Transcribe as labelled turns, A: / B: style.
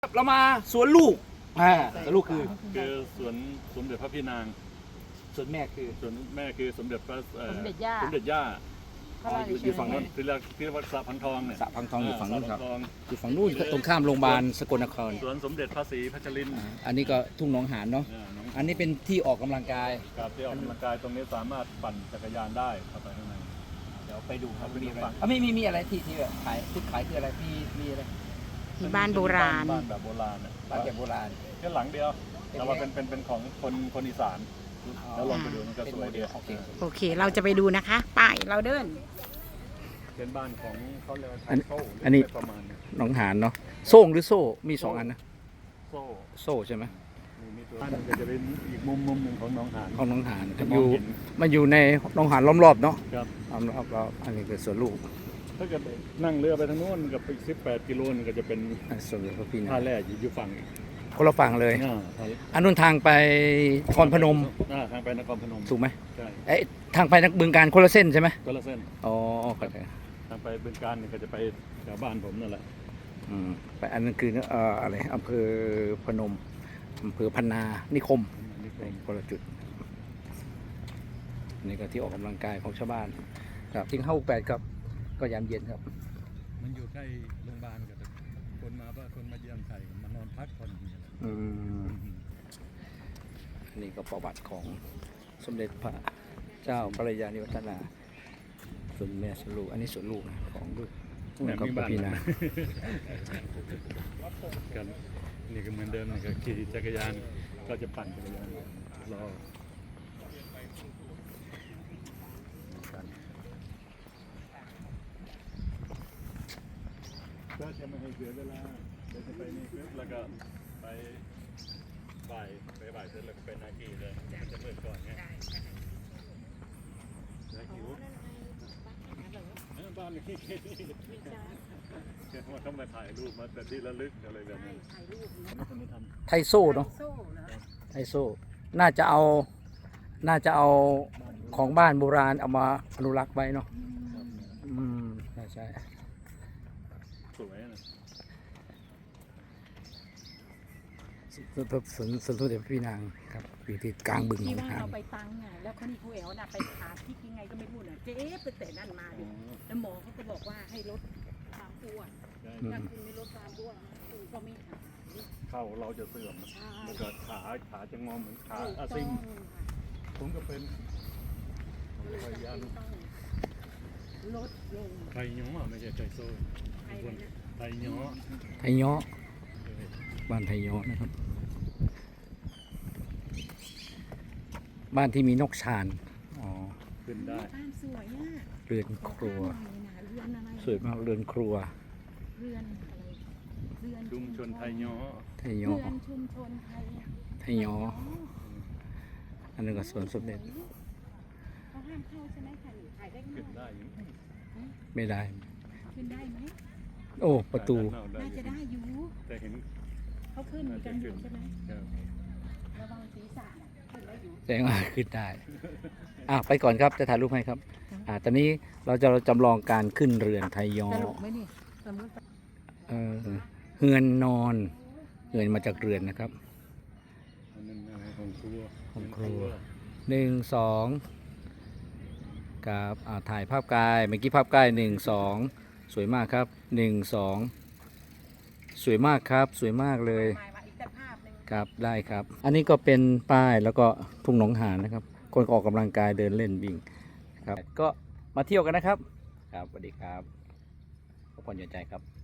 A: เรามาสวนลูกสวนลูกคือ
B: สวนสมเด็จพระพี่นาง
A: สวนแม่คือ
B: สวนแม่คือสมเด็จพระ
C: สมเด็จย่า
B: อยู่ฝั่งนั้นที่เรียกว่าสระพังทองเนี่ย
A: สระพังทองอยู่ฝั่งนู้นครับ
B: อ
A: ยู่ฝั่งนู้นตรงข้ามโรงพยาบาลสกลนคร
B: สวนสมเด็จพระศรีพัชรินทร์
A: อันนี้ก็ทุ่งหนองหานเนาะอันนี้เป็นที่ออกกำลังกาย
B: กับที่ออกกำลังกายตรงนี้สามารถปั่นจักรยานได้เข้าไปข้างใน
A: เดี๋ยวไปดูครับมีอะไรมีอะไรที่แบบขายคืออะไรมีอะไร
C: มีบ้านโบราณ
B: บ้านแบบโบราณ
A: บ้านแบบโบราณ
B: แค่หลังเดียวแต่ว่าเป็นของคนอีสานแล้วลองไปดูมันก็สวยดี
C: โอเคเราจะไปดูนะคะป้ายเราเดิน
B: เป็นบ้านของเขาเรียกว่า
A: อันนี้
B: ประมาณ
A: หนองหานเนาะโซ่งหรือโซ่มี2อันนะโซ่ใช่ไหม
B: มีตัวนั้นก็จะเป็นอีกมุมหนึ่งของหนองหาน
A: มันอยู่ในหนองหานล้อมรอบเนาะ
B: ครับ
A: ล้อมรอบอันนี้คือสวนลูก
B: ถ้าเกิดนั่งเรือไปทางโน้นกับอีก18 กิโลนึงก็จะเป็น
A: สวนพระพี่นาง
B: ท่าแร่อยู่ฝั่ง
A: คนละฝั่งเลยอันนู้นทางไปนครพนม
B: ทางไปนครพนม
A: ถูกไหม
B: ใช่
A: ทางไปบึงกาฬคนละเส้นใช่ไหม
B: คนละเส้น
A: อ๋อเข้าใจ
B: ทางไปบึงกาฬนี่ก็จะไปแถวบ้านผมนั่นแหละ
A: ไปอันนั้นคืออะไรอำเภอพนมอำเภอพนานิคมคนละจุดนี่ก็ที่ออกกำลังกายของชาวบ้านครับทิ้ง58ครับก็ยามเย็นครับ
B: มันอยู่ใกล้โรงพยาบาลกับคนมาเยี่ยมไทยมานอนพักผ่อน
A: อันนี้ก็ประวัติของสมเด็จพระเจ้าพระยานิวัฒนาส่วนแม่สวนลูกอันนี้สวนลูกของลูกกับพี่นา
B: กันนี่ก็เหมือนเดิมนี่ก็ขี่จักรยานก็จะปั่นจักรยานรอก็จะไม่ให้เสียเวลาเดี๋ยวจะไปนี่ปุ๊บแล้วก็ไปบ่ายเสร็จแล้วก็ไปนาคีเลยมันจะมืดก่อนไงนาคีบ้านนี่ว่าต้องมาถ่ายรูปมาแต่ที่ระลึกอะไรแบบนี้
A: ไทโซ่เนาะไทโซ่น่าจะเอาของบ้านโบราณเอามาอนุรักษ์ไว้เนาะใช่
B: สวยนะ
A: สวนเด็จพี่นางครับอยู่ที่กลางบึงหนองหาน
C: ที่ว่าเราไปตังอ่ะแล้วคนนี้เขาเอวน่ะไปหาที่ยังไงก็ไม่พูดอ่ะเจ๊ตั้งแต่นั่นมาดิแล้วหมอเขาก็บอกว่าให้ลดความอ้วนถ้าคุณไม่ลดความอ้วนคุณก็ไม่หาย
B: เข้าเราจะเสื่อมแล้วก็ขาจะงอเหมือนขาอาซิมผมก็เป็นพยายาม
C: ลดลง
B: ไทยย้อไม่ใช่ไทยโซ่ไทยย้อ
A: บ้านไทยย้อนะครับบ้านที่มีนกชาน
B: ขึ้นได้
C: บ้านสวยอ่ะ
A: เรือนครัวสวยมากเรือนครัว
C: เรือน
B: ชุมชนไทยย้อ
C: ชุมชน
A: ไทยย้ออันนึงก็สวนสมเด็จ
C: เขาห้ามเข้าใช่ไหมถ่ายได้
B: ขึ้นได้
A: ไม่ได้
C: ขึ้นได้ไหม
A: โอ้ประตู
C: น่าจะได้อยู่
B: แต่เห็น
C: เขาขึ้นกันอยู่ใช่ไหมระวังศีรษะขึ้นได้อยู่
A: แสดงว่าขึ้นได้ไปก่อนครับจะถ่ายรูปให้ครับตอนนี้เราจะจำลองการขึ้นเรือนไทยย้อเฮือนนอนเฮือนมาจากเรือนนะครับ
B: ของครัว
A: 1 2กับถ่ายภาพกายเมื่อกี้ภาพกาย1 2สวยมากครับ1 2สวยมากครับสวยมากเลยครับได้ครับอันนี้ก็เป็นป้ายแล้วก็ทุ่งหนองหานนะครับคนออกกำลังกายเดินเล่นวิ่งครับก็มาเที่ยวกันนะครับครับสวัสดีครับขอบคุณใจครับ